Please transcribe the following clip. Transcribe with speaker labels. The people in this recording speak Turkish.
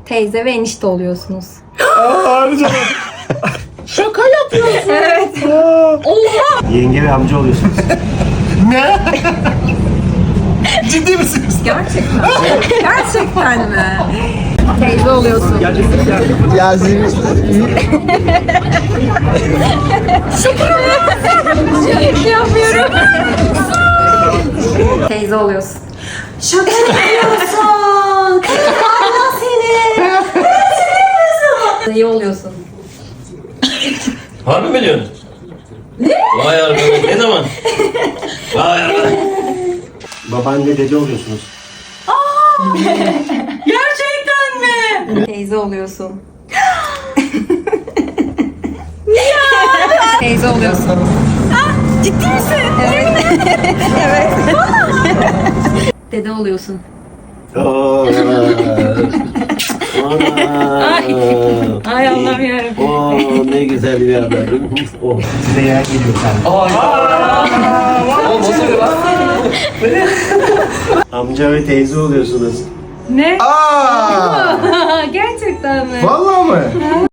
Speaker 1: Teyze ve enişte oluyorsunuz.
Speaker 2: Harika.
Speaker 3: Şaka yapıyorsun.
Speaker 1: Evet.
Speaker 4: Yenge ve amca oluyorsunuz.
Speaker 2: Ne? Ciddi misiniz?
Speaker 1: Gerçekten. Gerçekten mi? Teyze oluyorsun.
Speaker 3: Yasin.
Speaker 1: Yapıyorum. Teyze oluyorsun.
Speaker 5: Şaka yapıyorsun. Allah seni.
Speaker 1: Dayı oluyorsun.
Speaker 6: Harbi mi diyorsun? Ne? Vay arkadaş ne zaman? Vay arkadaş.
Speaker 4: Babaanne dede oluyorsunuz.
Speaker 5: Gerçekten mi?
Speaker 1: Teyze oluyorsun. Teyze oluyorsun.
Speaker 5: Ciddi misin?
Speaker 1: Evet. Evet. Dede oluyorsun.
Speaker 5: Ay Allah'ım yarabbim.
Speaker 6: Oo ne güzel bir haber. Oh.
Speaker 4: Size yer geliyor sen. Amca ve teyze oluyorsunuz.
Speaker 5: Ne?
Speaker 2: Aa!
Speaker 5: Gerçekten mi?
Speaker 2: Vallahi mı?